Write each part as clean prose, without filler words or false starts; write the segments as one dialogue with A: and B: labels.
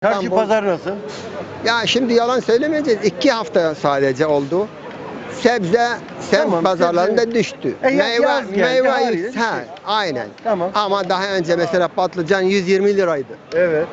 A: Çarşı
B: İstanbul.
A: pazar nasıl?
B: Ya şimdi yalan söylemeyeceğiz. 2 hafta sadece oldu. Sebze semt
A: Tamam,
B: pazarlarında
A: sebze.
B: düştü.
A: Yaz geldi, haliyle düştü.
B: Aynen.
A: Tamam.
B: Ama daha önce mesela patlıcan 120 liraydı.
A: Evet.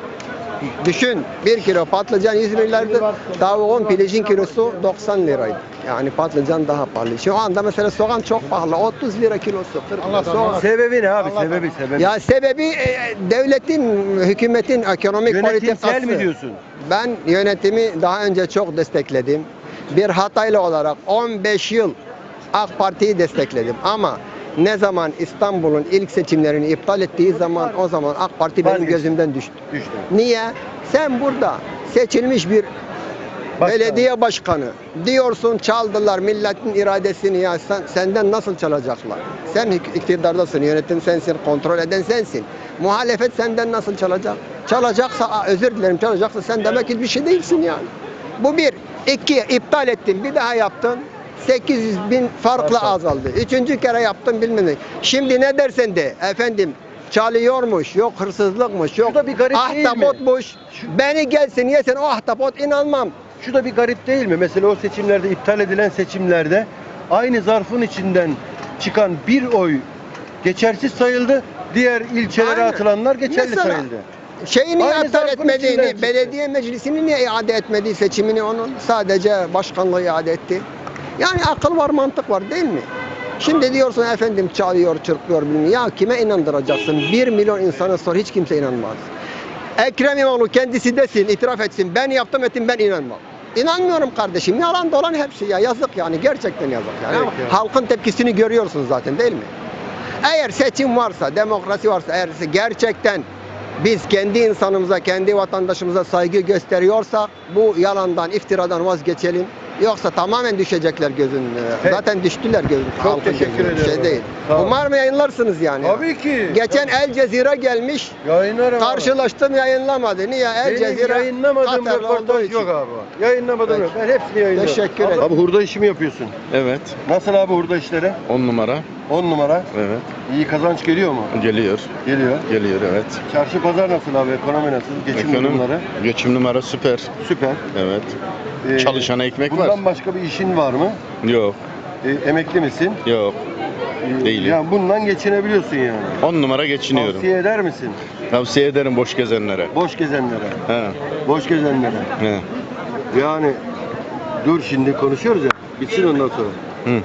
B: Düşün 1 kilo patlıcan 120 liraydı. Tavuğun pilincin kilosu 90 liraydı. Yani patlıcan daha pahalı. Şu anda mesela soğan çok pahalı. 30 lira kilosu. 40 lira soğan.
A: Sebebi ne abi? Sebebi.
B: Ya sebebi devletin, hükümetin ekonomik
A: Yönetimsel
B: politikası.
A: mi diyorsun?
B: Ben yönetimi daha önce çok destekledim. Bir Hataylı olarak 15 yıl AK Parti'yi destekledim. Ama ne zaman İstanbul'un ilk seçimlerini iptal ettiği zaman o zaman AK Parti benim
A: Vazgeçti.
B: gözümden düştü.
A: Düştü.
B: Niye? Sen burada seçilmiş bir belediye başkanı diyorsun çaldılar milletin iradesini ya senden nasıl çalacaklar? Sen iktidardasın, yönetim sensin, kontrol eden sensin. Muhalefet senden nasıl çalacak? Çalacaksa özür dilerim çalacaksa sen demek ki bir şey değilsin yani. Bu bir. İki, iptal ettin bir daha yaptın. 800 bin farklı azaldı. Üçüncü kere yaptın bilmem ne. Şimdi ne dersen de efendim çalıyormuş, yok hırsızlıkmış, yok
A: Şu da bir garip değil mi?
B: ahtapotmuş. Beni gelsin yesen o ahtapot inanmam.
A: Şu da bir garip değil mi? Mesela o seçimlerde, iptal edilen seçimlerde aynı zarfın içinden çıkan bir oy geçersiz sayıldı. Diğer ilçelere
B: Aynen.
A: atılanlar geçerli
B: Mesela,
A: sayıldı.
B: Şeyi niye
A: Aynı
B: iptal
A: zarfın içinden
B: etmediğini,
A: çıktı.
B: belediye meclisini niye iade etmediği seçimini onun sadece başkanlığı iade etti. Yani akıl var, mantık var değil mi? Şimdi diyorsun efendim çalıyor, çırpıyor bilmem. Ya kime inandıracaksın? 1 milyon insana sor hiç kimse inanmaz. Ekrem İmamoğlu kendisi desin, itiraf etsin. Ben yaptım ettim ben inanmam. İnanmıyorum kardeşim. Yalan dolan hepsi ya. Yazık yani. Gerçekten yazık yani.
A: Evet
B: Ama
A: ya.
B: halkın tepkisini görüyorsunuz zaten değil mi? Eğer seçim varsa, demokrasi varsa, eğer gerçekten biz kendi insanımıza, kendi vatandaşımıza saygı gösteriyorsak bu yalandan, iftiradan vazgeçelim. Yoksa tamamen düşecekler gözün önüne.
A: Peki.
B: Zaten düştüler gözün.
A: Çok
B: halkın
A: teşekkür
B: gözünün önüne.
A: ediyorum.
B: Şey değil.
A: Sağ ol.
B: Umarım yayınlarsınız yani.
A: Tabii ki.
B: Geçen El Cezire gelmiş.
A: Yayınlarım
B: Karşılaştım yayınlamadı. Niye? El
A: Benim
B: Cezire
A: yayınlamadığım
B: Katarlı olduğu
A: röportaj
B: için.
A: yok abi. Yayınlamadığım yok.
B: Peki.
A: Ben hepsini yayınlıyorum.
B: Teşekkür ederim.
A: Abi hurda işi mi yapıyorsun?
C: Evet.
A: Nasıl abi hurda işleri?
C: 10 numara.
A: 10 numara.
C: Evet.
A: İyi kazanç geliyor mu?
C: Geliyor.
A: Geliyor.
C: Geliyor evet.
A: Çarşı pazar nasıl abi? Ekonomi nasıl? Geçim durumları?
C: Geçim numara süper.
A: Süper.
C: Evet. Çalışana ekmek
A: bundan
C: var.
A: başka bir işin var mı?
C: Yok.
A: Emekli misin?
C: Yok. Değilim.
A: Yani bundan geçinebiliyorsun yani.
C: 10 numara geçiniyorum.
A: Tavsiye eder misin?
C: Tavsiye ederim boş gezenlere.
A: Boş gezenlere.
C: He.
A: Boş gezenlere.
C: He.
A: Yani dur şimdi konuşuyoruz ya. Bitsin ondan sonra.
C: Hı.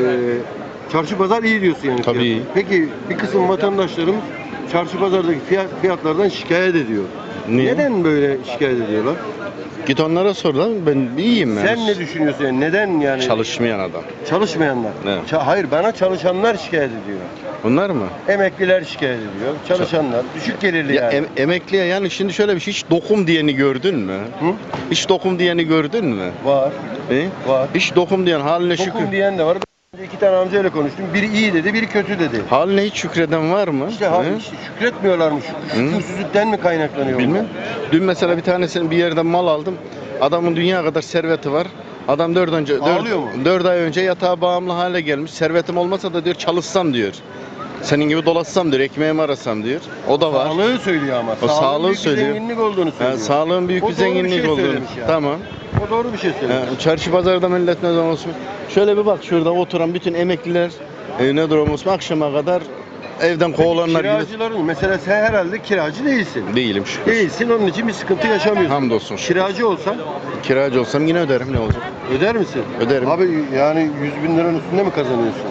A: Çarşı pazar iyi diyorsun yani.
C: Tabii iyi.
A: Peki bir kısım vatandaşlarımız çarşı pazardaki fiyatlardan şikayet ediyor.
C: Niye?
A: Neden böyle şikayet ediyorlar?
C: Git onlara sor lan. Ben iyiyim ben.
A: Sen ne düşünüyorsun yani? Neden yani?
C: Çalışmayan adam.
A: Çalışmayanlar.
C: Ne?
A: Hayır bana çalışanlar şikayet ediyor.
C: Bunlar mı?
A: Emekliler şikayet ediyor. Çalışanlar. Düşük gelirli
C: Ya
A: yani.
C: emekliye yani şimdi şöyle bir şey hiç dokum diyeni gördün mü?
A: Hı?
C: Hiç dokum diyeni gördün mü?
A: Var.
C: He?
A: Var.
C: Hiç dokum diyen haline şükür.
A: Dokum diyen de var. Ben iki tane amcayla konuştum. Biri iyi dedi, biri kötü dedi.
C: Haline hiç şükreden var mı?
A: İşte,
C: He?
A: işte şükretmiyorlarmış. Şükürsüzlükten mi kaynaklanıyor?
C: Bilmem. Dün mesela bir tanesini bir yerden mal aldım. Adamın dünya kadar serveti var. Adam
A: Ağlıyor mu?
C: 4 ay önce yatağa bağımlı hale gelmiş. Servetim olmasa da diyor çalışsam diyor. Senin gibi dolaşsam diyor, ekmeğimi arasam diyor. O da var.
A: Sağlığı söylüyor ama.
C: O sağlığı
A: büyük
C: söylüyor.
A: bir zenginlik olduğunu söylüyor.
C: Sağlığın büyük
A: O
C: bir
A: doğru bir
C: zenginlik
A: şey
C: olduğunu.
A: söylemiş yani.
C: Tamam.
A: O doğru bir şey söylüyor.
C: Çarşı pazarda millet ne zaman olsun. Şöyle bir bak şurada oturan bütün emekliler ne durum olsun akşama kadar evden kovulanlar gibi.
A: Kiracıların mesela sen herhalde kiracı değilsin.
C: Değilim şükür.
A: Değilsin onun için bir sıkıntı yaşamıyorsun.
C: Hamdolsun şükür.
A: Kiracı olsan
C: Kiracı olsam yine öderim ne olacak?
A: öder misin?
C: Öderim.
A: Abi yani 100 bin liranın üstünde mi kazanıyorsun?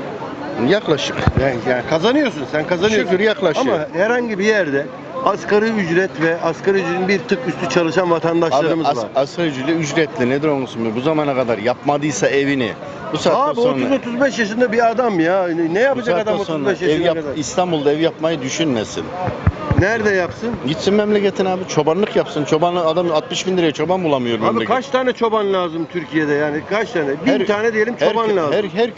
C: Yaklaşık.
A: Yani kazanıyorsun, sen kazanıyorsun.
C: Şükür yaklaşıyor.
A: Ama herhangi bir yerde asgari ücret ve asgari ücretin bir tık üstü çalışan vatandaşlarımız var.
C: Asgari ücretli nedir olsun bu zamana kadar yapmadıysa evini bu saatten
A: Abi
C: sonra
A: 30-35 yaşında bir adam ya. Ne
C: bu
A: yapacak
C: saatten
A: adam
C: sonra
A: 35 yaşına kadar?
C: İstanbul'da ev yapmayı düşünmesin.
A: Nerede yapsın?
C: Gitsin memleketine abi çobanlık yapsın. Çobanlık adam 60 bin liraya çoban bulamıyor
A: Abi
C: memleket.
A: kaç tane çoban lazım Türkiye'de yani? Kaç tane? 1000 tane diyelim çoban lazım.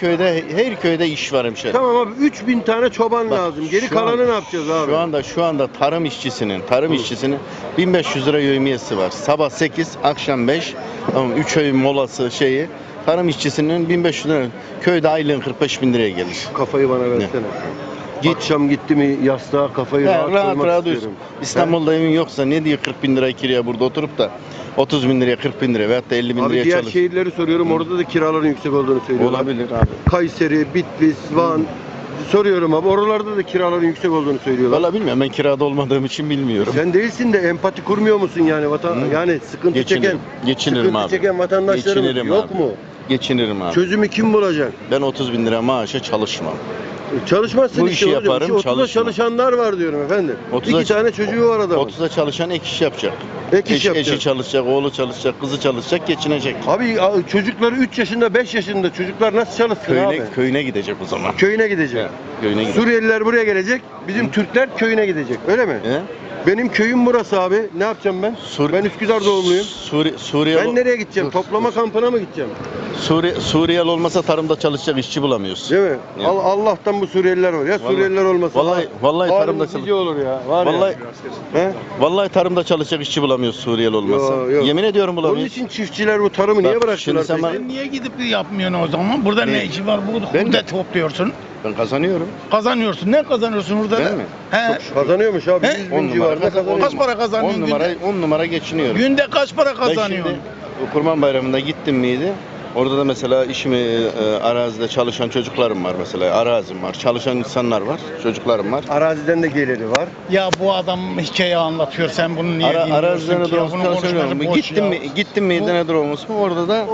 C: Her köyde iş var hemşerim.
A: Tamam abi 3000 tane çoban
C: Bak,
A: lazım. Geri
C: şu an-
A: kalanı ne yapacağız abi?
C: Şu anda tarım işçisinin 1500 lira yevmiyesi var. Sabah 8, akşam 5. Tamam 3 öğün molası şeyi. Tarım işçisinin 1500 lira. Köyde aylığın 45 bin liraya gelir.
A: Kafayı bana versene.
C: Git.
A: Akşam gitti mi yastığa kafayı
C: He,
A: rahat
C: rahat
A: koymak
C: rahat
A: istiyorum.
C: uyusun. İstanbul'da evin yoksa ne diye 40 bin lira kiraya burada oturup da 30 bin liraya 40 bin liraya veyahut da 50 bin
A: Abi
C: liraya
A: diğer
C: çalış.
A: şehirleri soruyorum, orada da kiraların yüksek olduğunu söylüyorlar.
C: Olabilir abi.
A: Kayseri, Bitlis, Van soruyorum abi, oralarda da kiraların yüksek olduğunu söylüyorlar.
C: Valla bilmiyorum, ben kirada olmadığım için bilmiyorum.
A: Sen değilsin de empati kurmuyor musun yani yani sıkıntı
C: Geçinirim. Geçinirim
A: sıkıntı
C: abi.
A: çeken vatandaşlarımız
C: Geçinirim
A: yok
C: abi.
A: mu?
C: Geçinirim abi.
A: Çözümü kim bulacak?
C: Ben 30 bin lira maaşa çalışmam.
A: Çalışmazsın
C: Bu
A: işte
C: işi
A: hocam.
C: yaparım,
A: 30'da
C: çalışmam.
A: çalışanlar var diyorum efendim.
C: 30'a
A: 2 tane çocuğu var adamın.
C: 30'da çalışan ek iş yapacak.
A: Ek iş yapacak.
C: Eşi çalışacak, oğlu çalışacak, kızı çalışacak, geçinecek.
A: Abi çocukları 3 yaşında 5 yaşında çocuklar nasıl çalışsın abi?
C: Köyüne gidecek o zaman.
A: Köyüne gidecek.
C: He, köyüne gidecek.
A: Suriyeliler buraya gelecek. Bizim Türkler köyüne gidecek. Öyle mi?
C: He?
A: Benim köyüm burası abi. Ne yapacağım ben? Ben Üsküdar doğumluyum.
C: Suriye
A: Ben nereye gideceğim?
C: Dur,
A: Toplama
C: dur.
A: kampına mı gideceğim?
C: Suriyeli olmasa tarımda çalışacak işçi bulamıyorsun.
A: Değil mi?
C: Ya.
A: Allah'tan bu Suriyeliler var. Ya
C: Vallahi-
A: Suriyeliler olmasa
C: vallahi tarımda
A: halimiz nice olur ya. Var
C: Vallahi
A: ya. He?
C: vallahi tarımda çalışacak işçi bulamıyoruz Suriyeli olmasa.
A: Yo, yo.
C: Yemin ediyorum
A: Onun
C: bulamıyoruz.
A: için çiftçiler bu tarımı niye
C: Bak,
A: bıraktılar
C: şimdi sen
A: peki?
C: bana-
D: Sen niye gidip yapmıyorsun o zaman? Burada ne işi var? Burada
C: Ben
D: hurda
C: mi?
D: topluyorsun.
C: Ben kazanıyorum.
D: Kazanıyorsun. Ne kazanıyorsun hurda?
C: Ben mi?
D: He.
A: Kazanıyormuş abi.
D: He?
A: 100
C: On
A: bin
C: numara
A: civarında
C: kazanıyorum.
D: Kaç
A: kazanıyor.
D: para kazanıyorsun
C: 10 numara geçiniyorum.
D: Günde kaç para
C: Ben
D: kazanıyorsun?
C: şimdi bu Kurban Bayramı'nda gittim miydi? Orada da mesela işimi arazide çalışan çocuklarım var mesela. Arazim var. Çalışan insanlar var. Çocuklarım var.
A: Araziden de geliri var.
D: Ya bu adam hikaye anlatıyor. Sen bunu niye dinliyorsun
C: Arazide
D: ki? Ya bunun konuşması boş
C: Gittim
D: ya.
C: mi? Gittim mi? Ne olmuş mu? Orada da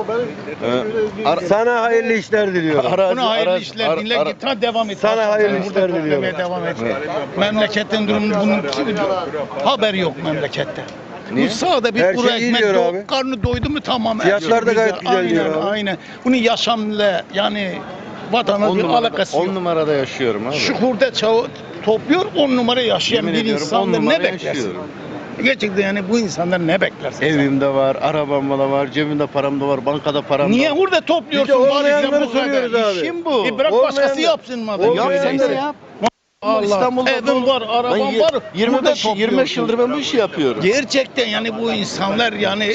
A: Sana hayırlı işler diliyorum.
D: Buna hayırlı işler dinle git. Ha, devam et.
A: Sana hayırlı
D: Sen
A: işler
D: burada
A: diliyorum.
D: toplamaya devam et. Memleketin durumu bunun haber yok memlekette.
C: Niye?
D: Bu sağda bir
A: Her
D: kuru
A: şey iyi
D: ekmek
A: diyor
D: yok,
A: abi.
D: karnı doydu mu tamam. her
A: Fiyatlar da
D: şey
A: gayet güzel
D: aynen,
A: diyor abi.
D: Aynen. Bunun yaşamla yani vatandaş bir alakası yok.
C: 10 numarada yaşıyorum abi.
D: Şu hurda çağı topluyor 10 numara yaşayan
C: Yemin
D: bir
C: ediyorum, on
D: insandan
C: numara
D: ne beklersin?
C: yaşıyorum.
D: Gerçekten yani bu insanlar ne beklersin? sen?
C: Evimde var, arabam da var, cebimde param da var, bankada param
D: Niye
C: da var.
D: hurda topluyorsun?
A: Biz de
D: Bari
A: olmayanları
D: sen bu kadar.
A: soruyoruz abi.
C: İşim bu.
D: Bırak başkası
A: Olmayanlar-
D: yapsın madem.
A: Olmayan-
C: Yap sen de
A: Öyleyse.
C: yap.
D: Allah.
C: İstanbul'da
D: Evim var, arabam
C: Ben
D: var.
C: 25
D: hurda
C: 25
D: topluyorsun.
C: yıldır ben bu işi yapıyorum.
D: Gerçekten yani bu insanlar yani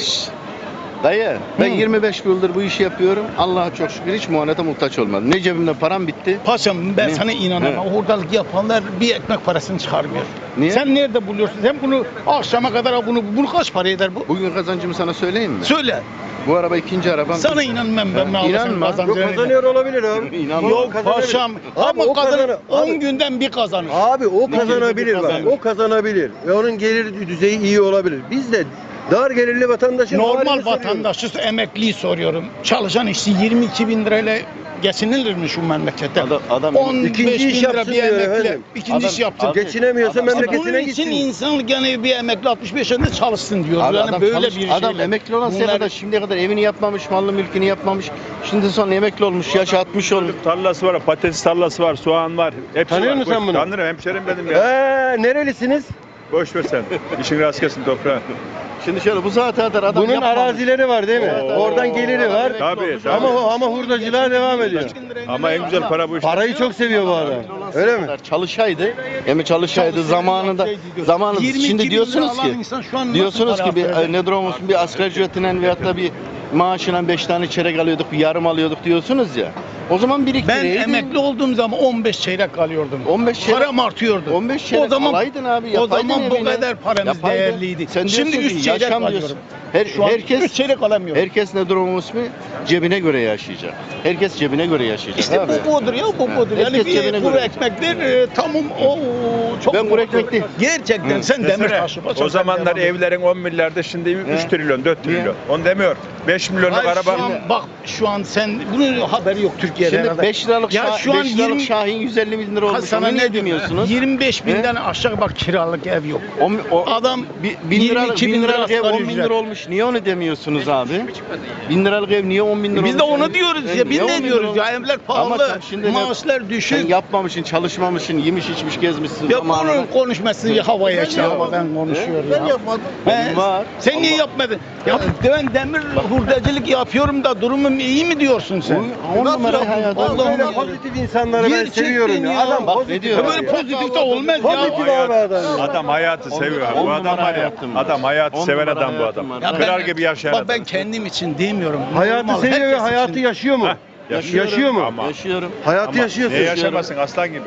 C: Dayı ben
D: Hı.
C: 25 yıldır bu işi yapıyorum. Allah'a çok şükür hiç muhanete muhtaç olmadım. Ne cebimde param bitti.
D: paşam ben
C: Ne?
D: sana inanamam.
C: Ne?
D: Hurdalık yapanlar bir ekmek parasını çıkarmıyor.
C: Niye?
D: Sen nerede buluyorsun? Sen bunu akşama kadar bunu kaç para eder bu?
C: Bugün kazancımı sana söyleyeyim mi?
D: Söyle.
C: Bu araba ikinci arabam.
D: Sana inanmam ben ne
C: İnanma.
D: alırsın
A: Yok
D: kazancını.
A: kazanıyor olabilir abi.
C: İnanma.
D: Yok
A: Kazanabilir.
D: paşam.
A: Abi, o
D: Ama kazan
A: kazanır.
D: 10
A: Abi-
D: günden bir kazanır.
A: Abi o
C: Ne
A: kazanabilir
C: gibi
A: bak.
C: kazanır?
A: O kazanabilir. Ve onun gelir düzeyi iyi olabilir. Biz de dar gelirli vatandaşın halini
D: Normal
A: soruyoruz.
D: vatandaşı emekliyi soruyorum. Çalışan işçi 22 bin lirayla geçinilir mi şu memlekette?
C: Adam
D: 15
A: İkinci
D: bin
A: iş
D: lira
A: yapsın
D: bir
A: diyor
D: emekli.
A: efendim.
D: İkinci iş yapsın.
C: Abi-
A: Geçinemiyorsa
C: Adam-
D: İşte
A: memleketine
D: bunun
A: gitsin.
D: için insanlık yani bir emekli 65 yaşında çalışsın diyor.
C: Abi
D: yani
C: adam
D: böyle
C: çalış-
D: bir
C: adam
D: şeyle.
C: emekli olan
D: Bunlar-
C: kadar şimdiye kadar evini yapmamış, mallı mülkünü yapmamış. Şimdi sonra emekli olmuş, yaş 60 olmuş.
E: Tarlası var, patates tarlası var, soğan var. Hepsi
A: Tanıyor
E: var.
A: musun sen
E: Boş-
A: bunu?
E: Tanırım, hemşerim benim ya.
A: Nerelisiniz?
E: Boş ver sen. İşin rast gelsin toprağa.
C: Şimdi şöyle bu saate kadar adam
A: Bunun
C: yapmamış.
A: arazileri var değil mi?
E: Oo.
A: Oradan geliri var.
C: Emekli
E: Tabii,
C: olmuş.
E: tabii.
A: Ama hurdacılığa devam ediyor.
E: Ama en güzel para bu işte.
A: Parayı çok seviyor bu adam.
C: Emekli olan
A: Öyle
C: saate
A: mi?
C: kadar Çalışaydı, çalışaydı zamanında. Zamanında
D: 22
C: şimdi
D: bin
C: diyorsunuz
D: lira alan
C: ki
D: insan şu an nasıl
C: diyorsunuz
D: para
C: ki bir
D: harcayacak?
C: nedir olmasın bir asgari ücretinden veyahut da bir maaşından 5 tane çeyrek alıyorduk, bir yarım alıyorduk diyorsunuz ya. O zaman
D: Ben
C: biriktireydi.
D: emekli olduğum zaman 15 çeyrek alıyordum.
C: 15 çeyrek-
D: Param artıyordu.
C: 15 çeyrek
D: o zaman
C: alaydın abi,
D: o
C: yapaydın
D: zaman bu
C: evini.
D: kadar paramız
C: Yapaydın.
D: değerliydi.
C: Sen
D: Şimdi
C: diyorsun
D: 3
C: ki
D: çeyrek
C: yaşam
D: alıyorum.
C: diyorsun.
D: Şu an
C: Herkes
D: 3 çeyrek alamıyorum.
C: Herkes ne durum ismi? Cebine göre yaşayacak. Herkes cebine göre yaşayacak
D: İşte
C: abi.
D: bu budur ya bu budur. Yani
C: Herkes cebine
D: bir kuru
C: göre.
D: ekmekler tamam o çok
C: Ben kuru ekmek değil.
D: Gerçekten
C: Hı.
D: sen demir
E: Desene,
D: taşı.
E: o zamanlar evlerin 10 milyarda şimdi 3
C: He.
E: trilyon, 4
C: Niye?
E: trilyon. Onu demiyor. 5 milyonluk
D: Hayır,
E: araba.
D: şu an, bak şu an sen bunun haberi yok Türkiye'de.
C: Şimdi
D: herhalde.
C: 5 liralık,
D: Ya şu an
C: 5 liralık
D: 20
C: Şahin 150 bin lira olmuş.
D: sana
C: Onu
D: ne
C: niye
D: demiyorsunuz?
C: demiyorsunuz?
D: 25 binden aşağı bak kiralık ev yok. Adam
C: 1000 liralık,
D: 22 bin lira
C: liralık ev
D: asgari
C: 10 bin
D: ücret.
C: lira olmuş. Niye onu demiyorsunuz abi? 1000 liralık ev niye 10 bin lira olmuş?
D: Biz de onu diyoruz ya. Biz
C: Niye 10
D: ne
C: bin
D: diyoruz
C: lira
D: ya?
C: olmuş?
D: Evler
C: Ama
D: pahalı,
C: sen şimdi
D: maaşlar
C: Sen
D: düşük.
C: yapmamışsın, çalışmamışsın, yemiş içmiş gezmişsin
D: Ya
C: zamanında.
D: bunun konuşmasını ya havaya işte
C: yapmadım.
D: havadan konuşuyor
C: Ben
D: ya.
C: yapmadım.
D: He?
C: Benim var.
D: Sen niye yapmadın? Ya ben demir hurdacılık yapıyorum da durumum iyi mi diyorsun sen?
C: On numara hayat.
D: Allah'ım
A: Böyle
D: ya.
A: pozitif insanları ben
D: Gerçekten
A: seviyorum ya.
D: ya.
A: Adam
C: Bak,
A: pozitif.
C: ne diyor?
D: Ya
A: abi
D: böyle
A: ya.
D: pozitif de olmaz ya.
A: Pozitif abi adam ya.
E: Adam hayatı seviyor. Bu adam var ya. Adam hayatı seven adam bu adam.
D: Ya
E: Kırar gibi yaşayan
D: bak
E: adam.
D: ben kendim için demiyorum.
A: Hayatı
D: Normal,
A: seviyor ve
D: herkes
A: hayatı
D: için.
A: yaşıyor mu?
E: Heh,
A: Yaşıyor mu?
E: Ama-
C: Yaşıyorum.
A: Hayatı
E: Ama
A: yaşıyorsun.
E: niye yaşamasın aslan gibi?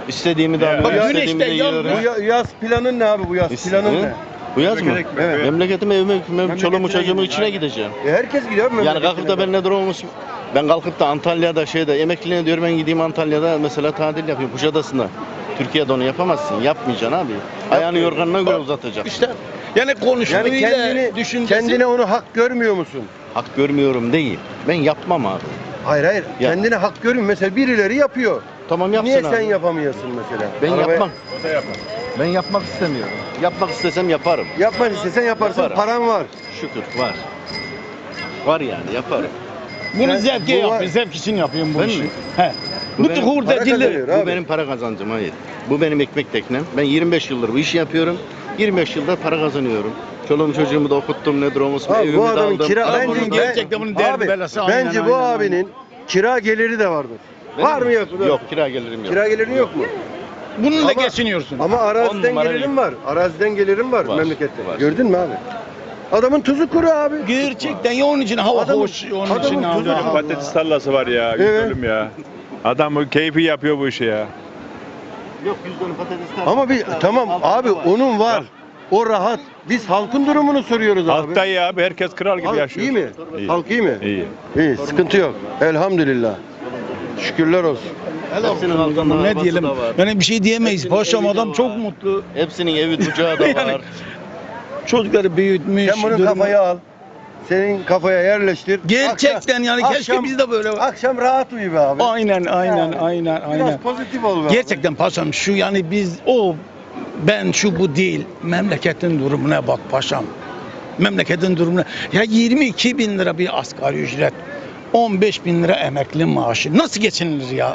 C: İstediğimi de
E: Ya,
C: alıyorum,
D: bak,
C: istediğimi de
D: güneşte yalnız-
C: yiyorum.
A: Bu yaz planın ne abi bu yaz? Planın ne?
C: Bu yaz mı?
A: Evet.
C: Memleketime, evime, çoluğumu, çocuğumun içine
E: Aynen.
C: gideceğim.
A: Herkes gidiyor mu?
C: Yani kalkıp da ben ne durumumuz? Ben kalkıp da Antalya'da emekliliğine diyorum ben gideyim Antalya'da mesela tatil yapayım Kuşadası'nda. Türkiye'de onu yapamazsın. Yapmayacaksın abi. Ayağını yorganına göre uzatacaksın.
D: İşte yani konuştuğuyla
A: Yani
D: düşüncesi.
A: kendine onu hak görmüyor musun?
C: Hak görmüyorum değil. Ben yapmam abi.
A: Hayır.
C: Ya.
A: Kendine hak görmüyor. Mesela birileri yapıyor.
C: Tamam yapsın
A: Niye
C: abi.
A: sen yapamıyorsun mesela?
C: Ben
A: Arabaya-
C: yapmam.
E: O da yapar.
C: Ben yapmak istemiyorum. Yapmak istesem yaparım.
A: Yapmak istesen yaparsın.
C: Yaparım.
A: Paran var.
C: Şükür var. Var yani yaparım.
D: Bunu
A: Ben-
D: zevke
A: bu var-
D: yapıyor. Zevk için yapıyorum bu
C: Ben
D: işi.
C: mi?
D: He.
C: Bu
D: Bu
C: benim
A: para
D: hurdacılığı.
A: kazanıyor.
C: Bu
A: Abi.
C: benim para kazancım hayır. Bu benim ekmek teknem. Ben 25 yıldır bu işi yapıyorum. 25 yılda para kazanıyorum. Çoluğumu çocuğumu da okuttum ne durumumuz
A: Abi
C: evimi
A: bu
C: de
A: adamın
C: aldım.
A: kira
D: Abi
A: bence
D: bunun gerçekten bunun derdi
A: abi,
D: belası, aynen,
A: bence bu
D: aynen,
A: abinin kira geliri de vardır.
C: Benim
A: Var mı yok mu?
C: Yok kira gelirim yok.
A: Kira gelirin yok mu?
D: Bununla
A: Ama-
D: geçiniyorsun.
A: Ama
C: On
A: araziden
C: numara
A: gelirim var. Araziden gelirim var,
C: Var,
A: memlekette.
C: var.
A: Gördün mü abi? Adamın tuzu kuru abi.
D: Gerçekten ya onun için hava
A: Adamın-
D: hoş, onun
A: adamın
D: için
A: tuzu-
D: hava.
A: Allah.
E: Patates tarlası var ya.
A: Evet.
E: Üzülüm ya. Adam bu keyfi yapıyor bu işi ya.
C: Yok 100 dönüm patates
A: Ama bir tamam abi onun var. O rahat. Biz halkın durumunu soruyoruz abi.
E: Halkta iyi abi. Herkes kral gibi
A: Halk
E: yaşıyor.
A: iyi mi?
E: İyi.
A: Halk iyi mi?
E: İyi.
A: İyi, sıkıntı yok. Elhamdülillah. Şükürler olsun.
C: Hepsinin altında
D: Ne
C: arabası
D: diyelim?
C: da var.
D: Yani bir şey diyemeyiz.
C: Hepsinin
D: Paşam
C: evi de
D: adam
C: var.
D: çok mutlu.
C: Hepsinin evi bucağı da
D: Yani
C: var.
D: Çocukları büyütmüş.
A: Sen bunu
D: durumu-
A: kafaya al. Senin kafaya yerleştir.
D: Gerçekten yani keşke biz de böyle.
A: Akşam rahat uyu be abi.
D: Aynen
A: Yani
D: aynen.
A: Biraz pozitif ol be abi.
D: Gerçekten paşam şu yani biz ben şu bu değil. Memleketin durumuna bak paşam. Memleketin durumuna. Ya 22 bin lira bir asgari ücret. 15 bin lira emekli maaşı. Nasıl geçinilir ya?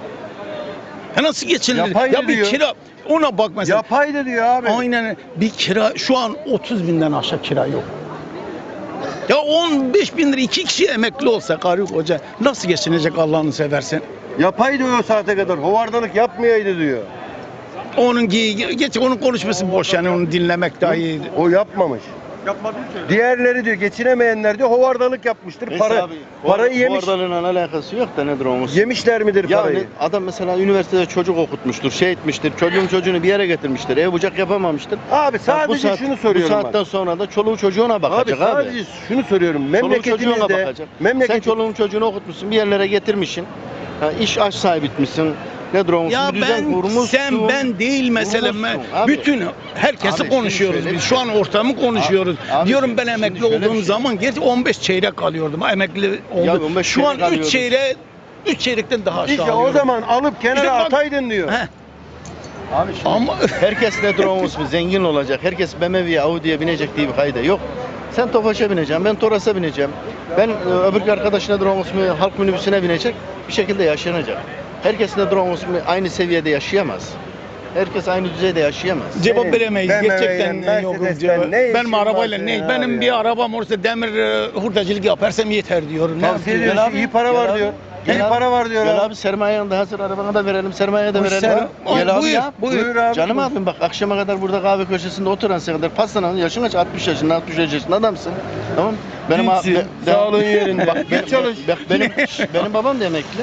D: Ya nasıl geçinilir?
A: Yapaydı
D: Ya bir
A: diyor.
D: kira ona bak mesela.
A: Yapaydı diyor abi.
D: Aynen bir kira şu an 30 binden aşağı kira yok. Ya 15 bin lira 2 kişi emekli olsa karı koca nasıl geçinecek Allah'ını seversen?
A: Yapaydı o saate kadar. Hovardalık yapmayaydı diyor.
D: Geç onun konuşması boş yani onu dinlemek daha iyi.
A: O yapmamış. Diğerleri diyor geçinemeyenler diyor hovardalık yapmıştır. Parayı yemiş.
C: Ordalığın alakası yok da nedir o?
A: Yemişler midir parayı?
C: Yani adam mesela üniversitede çocuk okutmuştur, şey etmiştir, çocuğunu bir yere getirmiştir, ev bucak yapamamıştır.
A: Abi sadece şunu soruyorum
C: Bu saatten
A: bak.
C: sonra da çoluğu çocuğuna
A: Abi
C: bakacak abi.
A: sadece şunu soruyorum.
C: Çoluğu çocuğuna
A: Memleketimizde
C: bakacak. Sen çoluğun çocuğunu okutmuşsun, bir yerlere getirmişsin. Ha, iş aş sahibi etmişsin. Nedir o?
D: Ya
C: Bir düzen
D: ben
C: kurmuşsun.
D: sen ben değil mesele.
C: Kurmuşsun abi.
D: Bütün herkesi
C: Abi şimdi
D: konuşuyoruz
C: şöyle
D: biz.
C: bir
D: Şu an ortamı konuşuyoruz.
C: Abi
D: Diyorum ben
C: şimdi
D: emekli
C: şöyle bir
D: olduğum
C: şey.
D: zaman gerçi 15 çeyrek alıyordum. Emekli
C: Ya
D: oldum.
C: 15
D: Şu an
C: çeyrek
D: 3 çeyrek 3 çeyrekten daha aşağı
A: İşte o
D: alıyorum.
A: zaman alıp kenara
D: İşte bak-
A: ataydın diyor.
D: Heh,
C: Abi şimdi
D: ama
C: herkes nedir o? Zengin olacak. Herkes BMW'ye, Audi'ye binecek diye bir kayda yok. Sen Tofaş'a bineceksin, ben Toras'a bineceğim. Ben öbür arkadaş nedir o? Halk minibüsüne binecek. Bir şekilde yaşanacak. Herkes nedir o? Aynı seviyede yaşayamaz. Herkes aynı düzeyde yaşayamaz.
D: cevap
A: Senin
D: veremeyiz.
A: BMW'yle,
D: Gerçekten yok.
A: Mercedes'ten ne işin
D: Benim arabayla
A: var
D: ne?
A: senin
D: Benim
A: abi
D: bir
A: ya?
D: arabam olsa demir hurdacılık yaparsam yeter diyorum. Ne
A: Tavsiye
D: yapayım?
A: ediyorsun. İyi para var diyor. İyi para var diyor
C: Gel
A: abi.
C: abi sermaye yanında hazır arabana da verelim, sermaye de
D: Bu
C: verelim.
D: ser-
C: Gel abi
D: Buyur,
C: ya.
A: Buyur abi.
C: Canım abim bak akşama kadar burada kahve köşesinde oturan sen kadar pastanın yaşın kaç? 60 yaşında, 65 yaşında adamsın. Tamam.
A: Dinçsin, sağlığın yerinde.
C: Bak,
A: Git çalış.
C: Bak benim babam da emekli.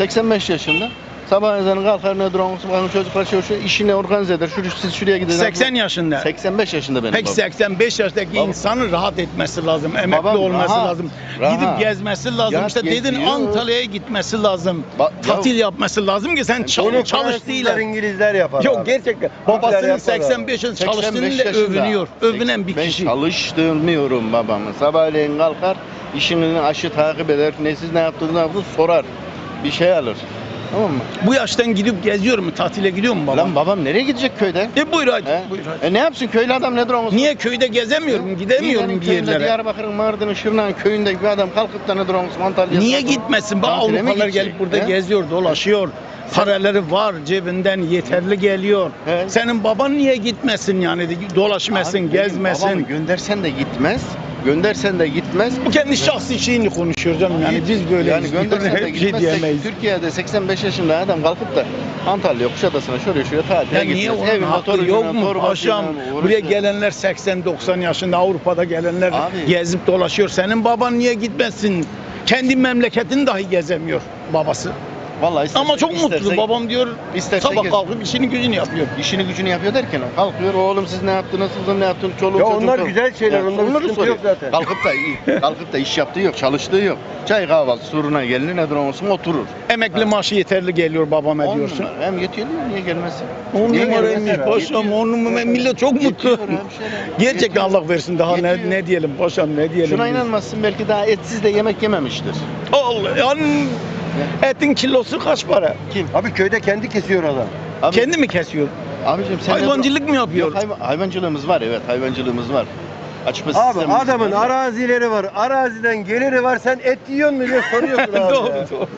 C: 85 yaşında. Sabah ezanı kalkar ne duran çocuklar çalışıyor, işini organize eder. Siz şuraya gidin.
D: 80 yaşında.
C: 85 yaşında benim
D: Peki
C: babam.
D: 85 yaşındaki
C: Baba.
D: insanın rahat etmesi lazım, emekli
C: Babam
D: olması
C: rahat,
D: lazım,
C: rahat.
D: gidip gezmesi lazım.
C: Ya
D: işte dedin
C: geziyor.
D: Antalya'ya gitmesi lazım,
C: Ya-
D: tatil yapması lazım ki sen
A: Onu
D: çalış
A: Fransızlar,
D: değil.
A: İngilizler yapar
D: Yok
A: abi.
D: gerçekten.
A: Türkler
D: Babasının
A: yapar abi.
D: 85 yaşında
C: 85
D: çalıştığıyla
C: yaşında.
D: övünüyor. Övünen bir
C: Ben
D: kişi.
C: çalıştırmıyorum babamı. Sabahleyin kalkar, işini aşı takip eder. Ne siz ne yaptınız, ne yaptınız sorar. Bir şey alır. Tamam mı?
D: Bu yaştan gidip geziyor mu? Tatile gidiyor mu babam?
C: Lan babam nereye gidecek köyde?
D: Buyur hadi.
C: He?
D: Buyur hadi.
C: Ne yapsın köylü adam nedir o?
D: Niye köyde gezemiyorum, gidemiyorum
C: Niğde'nin
D: bir
C: köyünde,
D: yerlere?
C: Diyarbakır'ın, Mardin'in, Şırnak'ın köyünde bir adam kalkıp da nedir o? Antalya'ya.
D: Niye gitmesin? Bak
C: Tatile mi
D: Avrupalılar
C: gidecek?
D: gelip burada
C: He?
D: geziyor, dolaşıyor. Paraları var cebinden yeterli geliyor.
C: He.
D: Senin baban niye gitmesin yani dolaşmasın,
C: Abi benim
D: gezmesin.
C: babamı göndersen de gitmez. Göndersen de gitmez.
D: Bu kendi şahsi şeyini konuşuyor canım yani biz böyle
C: yani göndersen de
D: bir şey
C: gitmez.
D: diyemeyiz.
C: Türkiye'de 85 yaşında adam kalkıp da Antalya, Kuşadası'na şuraya tatile
D: Ya niye
C: gitmez.
D: onun
C: Evinde
D: hakkı
C: torunuyla,
D: yok mu
C: torbasıyla
D: paşam?
C: uğraşıyor.
D: Buraya gelenler 80-90 yaşında Avrupa'da gelenler
C: Abi.
D: gezip dolaşıyor. Senin baban niye gitmesin? Kendi memleketini dahi gezemiyor babası.
C: Vallahi isterse,
D: Ama çok mutlu.
C: isterse-
D: Babam diyor
C: isterse
D: sabah
C: gez.
D: kalkıp işini gücünü yapıyor.
C: İşini gücünü yapıyor derken kalkıyor, oğlum siz ne yaptınız, kızım ne yaptın, çoluğum
A: Ya
C: çocuğum.
A: onlar
C: falan.
A: güzel şeyler,
C: Ya,
A: onda bir
C: onları
A: sıkıntı yok
C: soruyor.
A: zaten.
C: Kalkıp da iş yaptığı yok, çalıştığı yok. Çay kahvaltı soruna gelir, nedir olsun oturur.
D: Emekli maaşı yeterli geliyor babama
C: 10
D: diyorsun.
C: numara. Hem yetiyor niye gelmesin?
D: 10
C: Niye
D: numaraymış
C: gelmesin?
D: paşam, 10 numara. Millet çok mutlu.
C: Yetiyor hemşerim.
D: Gerçekten
C: Yetiyor.
D: Allah versin daha
C: Yetiyor.
D: ne diyelim paşam ne diyelim.
C: Şuna
D: biz.
C: inanmazsın, belki daha etsiz de yemek yememiştir.
D: Allah yani etin kilosu kaç para?
C: Kim?
A: Abi köyde kendi kesiyor adam.
C: Abi,
D: Kendi mi kesiyor?
C: abicim sen
D: Hayvancılık mı yapıyor?
C: Yok, hayvancılığımız var, evet hayvancılığımız var. Açma
A: Abi
C: sistemimiz
A: adamın
C: var.
A: arazileri var. Araziden geliri var. Sen et yiyor mu diye soruyorsun abi.
D: Doğru
A: ya.
D: doğru.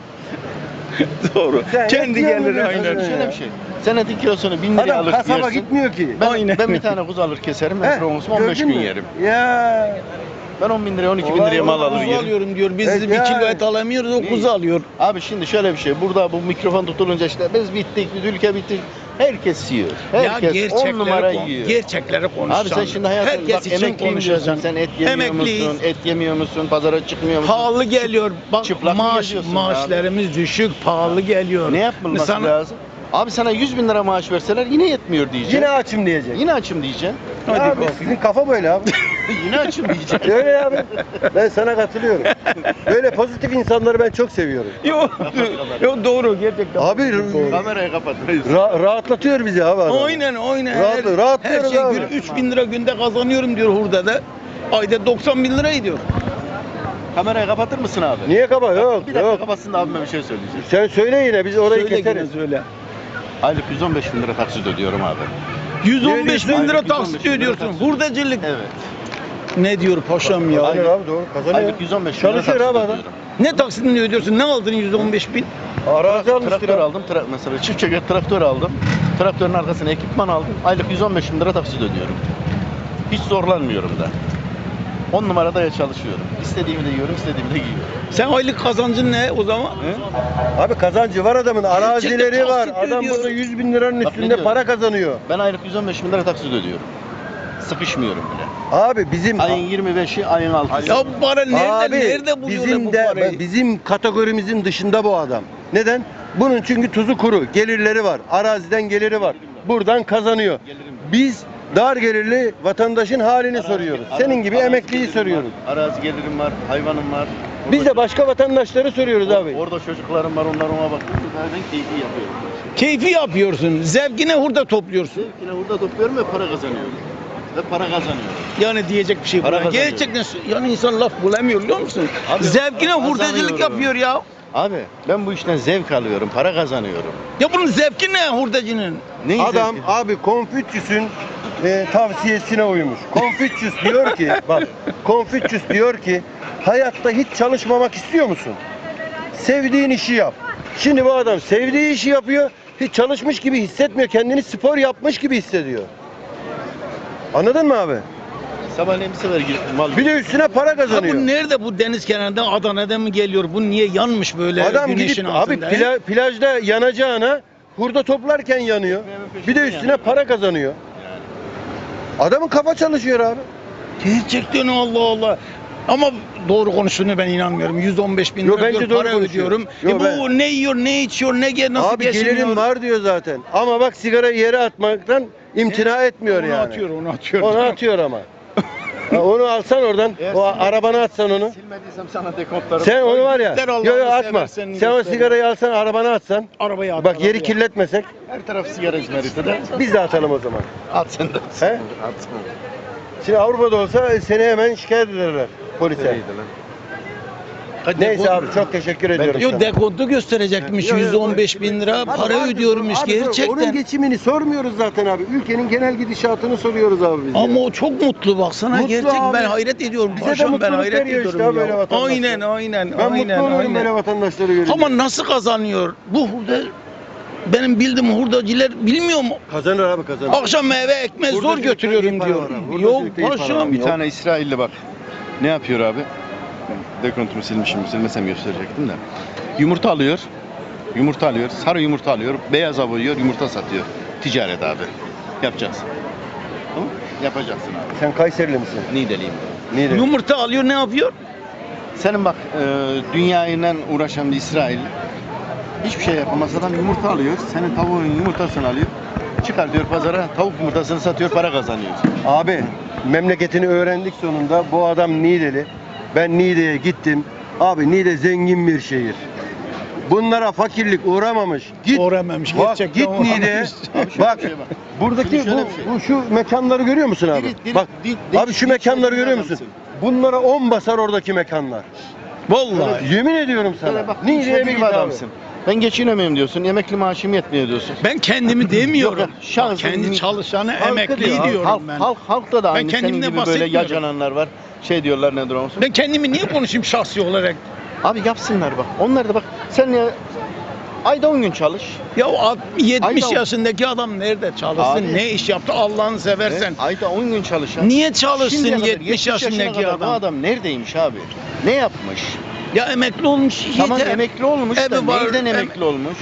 D: Doğru.
A: Sen
D: Kendi
A: yetiyor mu
D: gelir
A: diyorsun
D: aynen.
A: ya?
C: Şöyle bir şey. Sen etin kilosunu 1000 liraya
A: Adam
C: alır
A: kasaba
C: yersin.
A: gitmiyor ki.
D: Aynen.
C: Ben bir tane kuzu alır keserim.
A: Heh,
C: Ben olsun 15
A: gördün
C: gün
A: mü?
C: yerim.
A: Ya.
C: Ben 10 bin liraya 12 bin
A: Olay
C: liraya mal
A: olmaz.
C: alır
D: Kuzu
C: yerim.
D: alıyorum diyor. Biz
A: Evet,
D: bir
A: ya.
D: kilo et alamıyoruz o
C: Ne?
D: kuzu alıyor.
C: Abi şimdi şöyle bir şey. Burada bu mikrofon tutulunca işte biz bittik, ülke bitti. Herkes yiyor. Herkes 10 numara yiyor.
D: Gerçekleri konuşacaksın.
C: Abi sen şimdi hayatım
D: herkes
C: bak
D: için
C: emekliyim diyorsun.
D: konuşacaksın.
C: Sen et yemiyor
D: Emekliyiz.
C: musun? Et yemiyor musun? Pazara çıkmıyor musun?
D: Pahalı geliyor. Bak
C: Çıplak mı geziyorsun
D: maaşlarımız düşük, pahalı geliyor.
C: Ne yapılması
D: Sana-
C: lazım? Abi sana 100 bin lira maaş verseler yine yetmiyor diyeceksin.
A: Yine açım diyecek.
C: Yine açım diyeceksin.
D: Hadi
A: abi
D: bakayım.
A: sizin kafa böyle abi.
C: Yine açım diyeceksin.
A: Öyle abi. Ben sana katılıyorum. Böyle pozitif insanları ben çok seviyorum.
D: Yok, yok doğru gerçekten.
A: Abi
D: Doğru.
C: Kamerayı kapatmayız.
A: rahatlatıyor bizi abi adam.
D: Aynen aynen.
A: Rahatlıyoruz
D: her şey
A: abi.
D: 3000 lira günde kazanıyorum diyor hurdada. Ayda 90 bin lira ediyor.
C: Kamerayı kapatır mısın abi?
A: Niye kaba? Yok
C: Bir dakika
A: yok.
C: kapatsın da abime bir şey söyleyeceğim.
A: Sen söyle yine biz orayı
D: Söyle
A: keseriz.
D: yine söyle.
C: Aylık 115 bin lira taksit ödüyorum abi.
D: 115 bin lira
C: Aylık 115
D: taksit
C: bin lira
D: ödüyorsun.
C: taksit.
D: Hurdacılık.
C: Evet.
D: Ne diyor paşam ya?
A: Kazanıyor abi doğru kazanıyor.
C: Aylık 115 bin lira
A: Çalışıyor
C: taksit
A: abi adam.
C: ödüyorum.
D: Ne taksitini ödüyorsun? Ne aldın 115 bin?
A: Arazi almıştır
C: Traktör
A: abi.
C: aldım. Mesela çift çeker traktör aldım. Traktörün arkasına ekipman aldım. Aylık 115 bin lira taksit ödüyorum. Hiç zorlanmıyorum da. 10 numarada ya çalışıyorum. İstediğimi de yiyorum, istediğimi de giyiyorum.
D: Sen aylık kazancın ne o zaman?
A: Abi kazancı var adamın. Arazileri var.
D: taksit
A: Adam
D: ödüyor.
A: burada 100 bin liranın
C: Bak ne
A: üstünde
C: diyorum?
A: para kazanıyor.
C: Ben aylık 115 bin lira taksit ödüyorum. Sıkışmıyorum bile.
A: Abi bizim
C: Ayın 25'i, ayın 6'sı.
D: Ya bu para nerede,
A: Abi,
D: nerede buluyorlar
A: bizim
D: bu
A: de
D: parayı?
A: bizim kategorimizin dışında bu adam. Neden? Bunun çünkü tuzu kuru, gelirleri var. Araziden geliri var. Buradan kazanıyor. Biz dar gelirli vatandaşın halini soruyoruz. Senin gibi
C: Arazi
A: emekliyi
C: gelirim
A: soruyoruz.
C: Var, arazi gelirim var, hayvanım var.
A: Biz de başka vatandaşları soruyoruz abi.
C: Orada çocuklarım var, onlar ona bakıyor. Ben keyfi yapıyorum.
D: Keyfi yapıyorsun. Zevkine hurda topluyorsun.
C: Zevkine burada topluyorum ve para kazanıyorum. Ve para kazanıyorum.
D: Yani diyecek bir şey
C: Para
D: buna.
C: kazanıyor.
D: Gerçekten yani insan laf bulamıyor biliyor musun?
C: Abi,
D: Zevkine
C: kazanıyorum.
D: hurdacılık yapıyor ya.
C: Abi ben bu işten zevk alıyorum, para kazanıyorum.
D: Ya bunun zevki ne hurdacının?
C: Neyin
A: Adam
C: zevki?
A: abi Konfüçyüs'ün tavsiyesine uymuş. Konfüçyüs diyor ki bak Konfüçyüs diyor ki hayatta hiç çalışmamak istiyor musun? Sevdiğin işi yap. Şimdi bu adam sevdiği işi yapıyor. Hiç çalışmış gibi hissetmiyor. Kendini spor yapmış gibi hissediyor. Anladın mı abi?
C: Sabahleyin bir sefer mal
A: Bir de üstüne para
D: Ya
A: kazanıyor.
D: bu nerede bu deniz kenarında Adana'da mı geliyor? Bu niye yanmış böyle
A: Adam
D: güneşin
A: gidip abi
D: altında? he?
A: plajda yanacağına hurda toplarken yanıyor. Bir de üstüne para kazanıyor. Adamın kafa çalışıyor abi.
D: Gerçekten Allah Allah. Ama doğru konuştuğunu ben inanmıyorum. 115 bin
A: Yo,
D: lira
A: bence
D: diyor,
A: doğru
D: para
A: konuşuyor.
D: ödüyorum.
A: Yo,
D: bu
A: ben-
D: ne yiyor, ne içiyor, nasıl
A: Abi
D: geçiniyor?
A: gelirim var diyor zaten. Ama bak sigarayı yere atmaktan imtina etmiyor
D: Onu
A: yani.
D: atıyor, onu atıyor.
A: Onu atıyor ama. Ha, onu alsan oradan,
C: Eğer
A: o
C: silme-
A: arabana atsan onu.
C: Silmediysem sana dekontlarım.
A: Sen onu var ya,
D: Göster
A: yo
D: Allah'ını
A: yo atma.
D: seversen
A: Sen o
D: göster.
A: sigarayı alsan arabana atsan.
D: Arabaya at.
A: Bak yeri
D: arabaya.
A: kirletmesek
C: Her taraf sigara izmariti de.
A: biz de atalım o zaman.
C: At sen de.
A: He?
C: At.
A: Şimdi Avrupa'da olsa seni hemen şikayet ederler polise. Neyse abi çok teşekkür ediyorum
D: Yo
A: sana.
D: dekontu gösterecekmiş
A: Yo, yo,
D: 115 bin lira
A: Abi
D: para
A: vardır,
D: ödüyormuş
A: abi, Onun
D: gerçekten.
A: geçimini sormuyoruz zaten abi. Ülkenin genel gidişatını soruyoruz abi biz.
D: Ama
A: ya.
D: o çok mutlu baksana
A: Mutlu
D: gerçekten
A: abi.
D: ben hayret ediyorum.
A: Bize de
D: Paşam, ben
A: mutluluk
D: hayret
A: veriyor
D: ediyorum
A: işte abi
D: ya.
A: böyle vatandaşlar.
D: Aynen aynen
A: Ben
D: aynen
A: mutlu olurum böyle
D: aynen.
A: vatandaşları görünce.
D: Ama nasıl kazanıyor? Bu hurda benim bildiğim hurdacılar bilmiyor mu?
A: Kazanır abi kazanır.
D: Akşam eve ekmek zor
A: Hurdacılıkta iyi
D: götürüyorum
A: para
D: diyor.
A: var abi,
D: Yok
A: hurdacılıkta iyi para var.
D: paşam
C: Bir
D: yok.
C: tane İsrailli bak. Ne yapıyor abi? Dekontumu silmişim. Silmesem gösterecektim de. Yumurta alıyor. Yumurta alıyor. Sarı yumurta alıyor. Beyaza boyuyor. Yumurta satıyor. Ticaret abi. Yapacaksın. Tamam? Yapacaksın abi.
A: Sen Kayserili misin?
C: Niğdeliyim.
A: Niğde.
D: Yumurta alıyor ne yapıyor?
C: Senin bak dünyayla uğraşan bir İsrail Hiçbir şey yapamaz adam, yumurta alıyor. Senin tavuğun yumurtasını alıyor. Çıkar diyor pazara, tavuk yumurtasını satıyor, para kazanıyor.
A: Abi memleketini öğrendik sonunda. Bu adam Niğdeli. Ben Niğde'ye gittim. Abi Niğde zengin bir şehir. Bunlara fakirlik uğramamış. Git.
D: Uğramamış,
A: Bak
D: gerçekten
A: git Niğde'ye.
D: uğramamış.
C: Abi şöyle
A: Bak
C: bir şey bak.
A: buradaki
C: Şimdi şöyle bir şey.
A: bu şu mekanları görüyor musun abi? Bak abi şu mekanları görüyor musun? Bunlara 10 basar oradaki mekanlar.
D: Vallahi.
A: Yemin ediyorum sana.
C: Sana bak,
A: Niğde'ye bir
C: bir
A: git abi.
C: adamsın. Ben geçinemiyorum diyorsun, emekli maaşım yetmiyor diyorsun.
D: Ben kendimi demiyorum.
C: Yok, şahsen
D: Kendi çalışanı
A: Halkı
D: emekli
A: diyor,
D: diyorum ben.
C: Halkta da aynı senin
D: kendimden
C: gibi böyle
D: bahsetmiyorum.
C: yacananlar var. Şey diyorlar nedir olsun.
D: Ben kendimi niye konuşayım şahsi olarak?
C: Abi yapsınlar bak. Onlar da bak. Sen ya ayda 10 gün çalış.
D: Ya 70
C: Ayda-
D: yaşındaki adam nerede çalışsın?
C: Abi-
D: Ne iş yaptı Allah'ını seversen?
C: Ayda 10 gün çalış. ya.
D: Niye çalışsın
C: Şimdiye kadar,
D: 70 yaşındaki
C: kadar Bu
D: adam?
C: adam neredeymiş abi? Ne yapmış?
D: Ya emekli olmuş
C: Tamam
D: yeter.
C: emekli olmuş da
D: Evi var,
C: nereden emekli olmuş?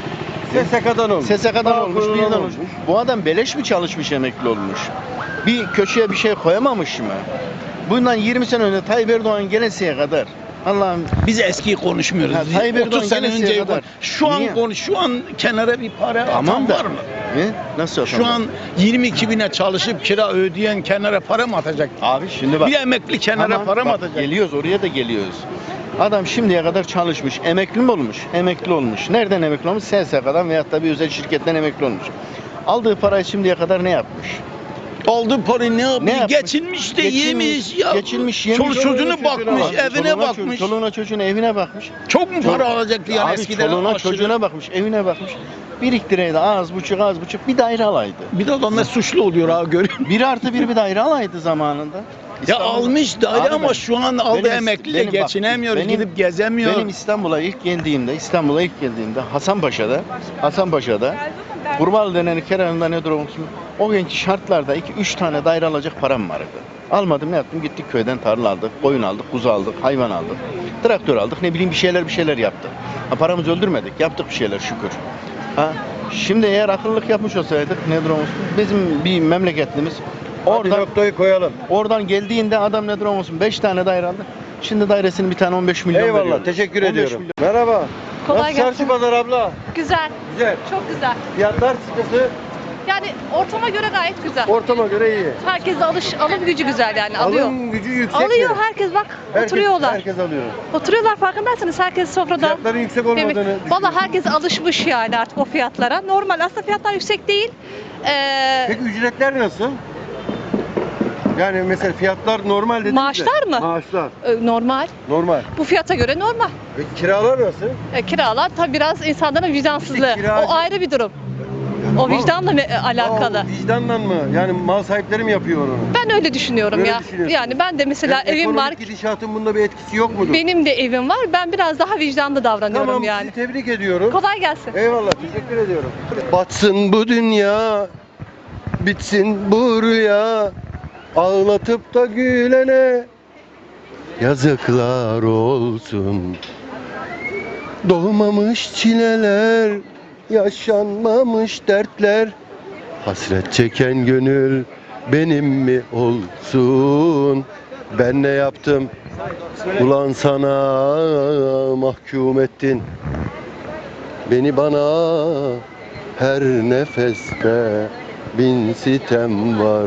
A: SSK'dan olmuş.
C: SSK'dan
A: Bağkur'dan
C: olmuş, birden olmuş. Bu adam beleş mi çalışmış emekli olmuş? Bir köşeye bir şey koyamamış mı? Bundan 20 sene önce Tayyip Erdoğan gelesiye kadar Allah'ım
D: Biz eskiyi konuşmuyoruz.
C: Ha, Tayyip Erdoğan
D: 30 sene
C: gelesiye
D: önce
C: kadar.
D: şu an
C: Niye?
D: şu an kenara bir para
C: tamam
D: atan
C: da.
D: var mı?
C: Ne? Nasıl
D: Şu an 22 bine çalışıp kira ödeyen kenara para mı atacak?
C: abi şimdi bak.
D: Bir emekli kenara
C: Tamam,
D: para mı
C: bak,
D: atacak?
C: Geliyoruz oraya da geliyoruz. Adam şimdiye kadar çalışmış. Emekli mi olmuş? Emekli olmuş. Nereden emekli olmuş? SSK'dan veyahut da bir özel şirketten emekli olmuş. Aldığı parayı şimdiye kadar ne yapmış?
D: Aldığı parayı ne yapmış?
C: yapmış?
D: Geçinmiş de yemiş ya.
C: Geçinmiş, yemiş.
D: Çoluk çocuğuna bakmış,
C: Abi,
D: evine
C: çoluğuna,
D: bakmış.
C: Çoluğuna çocuğuna evine bakmış.
D: Çok mu para alacaktı yani
C: Abi
D: eskiden?
C: çoluğuna
D: aşırı?
C: çocuğuna bakmış, evine bakmış. Biriktireydi az buçuk bir daire alaydı.
D: Bir de adamlar suçlu oluyor ha görüyor musun?
C: 1+1 bir daire alaydı zamanında.
D: Ya
C: İstanbul'da.
D: almış daire
C: Abi
D: ama
C: ben-
D: şu an aldığı
C: benim-
D: emekliyle
C: benim bak,
D: geçinemiyor,
C: benim-
D: gidip gezemiyor.
C: Benim İstanbul'a ilk geldiğimde Hasanpaşa'da Burmalı denen kenarında ne durum olsun? O günkü şartlarda 2-3 tane daire alacak param vardı. Almadım ne yaptım? Gittik köyden tarla aldık, koyun aldık, kuzu aldık, hayvan aldık. Traktör aldık, ne bileyim bir şeyler yaptık. Ha, paramızı öldürmedik, yaptık bir şeyler şükür. Ha, şimdi eğer akıllılık yapmış olsaydık ne durum olsun? Bizim bir memleketlimiz
A: Orada noktayı koyalım.
C: oradan geldiğinde adam ne durum olsun? 5 tane daire aldı. Şimdi dairesini bir tane 15 milyon veriyor.
A: Eyvallah teşekkür
C: 15
A: ediyorum.
C: milyon.
A: Merhaba.
F: Kolay
A: Nasıl
F: gelsin.
A: çarşı pazar abla?
F: Güzel,
A: Güzel.
F: çok güzel.
A: Fiyatlar sıkıntı
F: Yani ortama göre gayet güzel.
A: ortama göre iyi.
F: Herkes alım gücü güzel yani alıyor.
A: Alım gücü yüksek
F: Alıyor
A: mi?
F: herkes bak oturuyorlar.
A: Herkes alıyor.
F: Oturuyorlar farkındaysanız herkes sofrada.
A: Fiyatların yüksek olmadığını düşünüyorum.
F: Valla herkes alışmış yani artık o fiyatlara. Normal aslında fiyatlar yüksek değil.
A: Peki ücretler nasıl? Yani mesela fiyatlar normal dediniz de.
F: Maaşlar mı?
A: Maaşlar.
F: Normal.
A: Normal.
F: Bu fiyata göre normal.
A: Peki kiralar nasıl?
F: Kiralar tabii biraz insanların vicdansızlığı.
A: İşte kiracı-
F: O ayrı bir durum. O vicdanla alakalı.
A: Aa, vicdanla mı? Yani mal sahipleri mi yapıyor onu?
F: Ben öyle düşünüyorum
A: Öyle
F: ya.
A: düşünüyorsun.
F: Yani ben de mesela
A: Yani
F: evim var.
A: ekonomik gidişatın bunda bir etkisi yok mudur?
F: Benim de evim var. Ben biraz daha vicdanlı davranıyorum
A: Tamam
F: yani.
A: sizi tebrik ediyorum.
F: Kolay gelsin.
A: Eyvallah teşekkür ediyorum. Batsın bu dünya, bitsin bu rüya, ağlatıp da gülene yazıklar olsun. Doğmamış çileler, yaşanmamış dertler, hasret çeken gönül benim mi olsun? Ben ne yaptım? Ulan sana mahkum ettin. Beni bana her nefeste bin sitem var.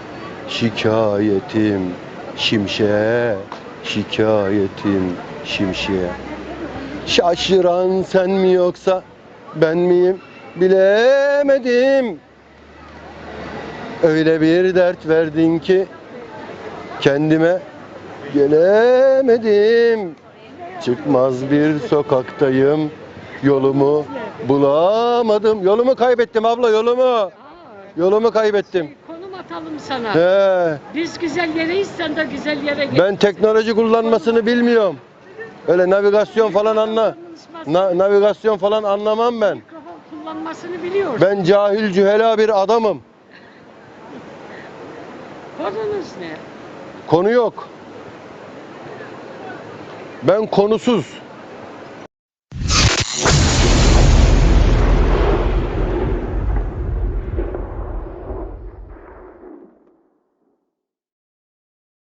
A: Şikayetim şimşeğe, şikayetim şimşeğe. Şaşıran sen mi yoksa ben miyim bilemedim. Öyle bir dert verdin ki kendime gelemedim. Çıkmaz bir sokaktayım. Yolumu bulamadım. Yolumu kaybettim abla yolumu. Yolumu kaybettim.
G: Konum atalım sana.
A: He,
G: Biz güzel yereyiz, sen de güzel yere git.
A: ben teknoloji kullanmasını bilmiyorum. Öyle navigasyon falan navigasyon falan anlamam ben.
G: Mikrofon kullanmasını biliyorsun.
A: Ben cahil cühela bir adamım.
G: Konunuz ne?
A: Konu yok. Ben konusuz.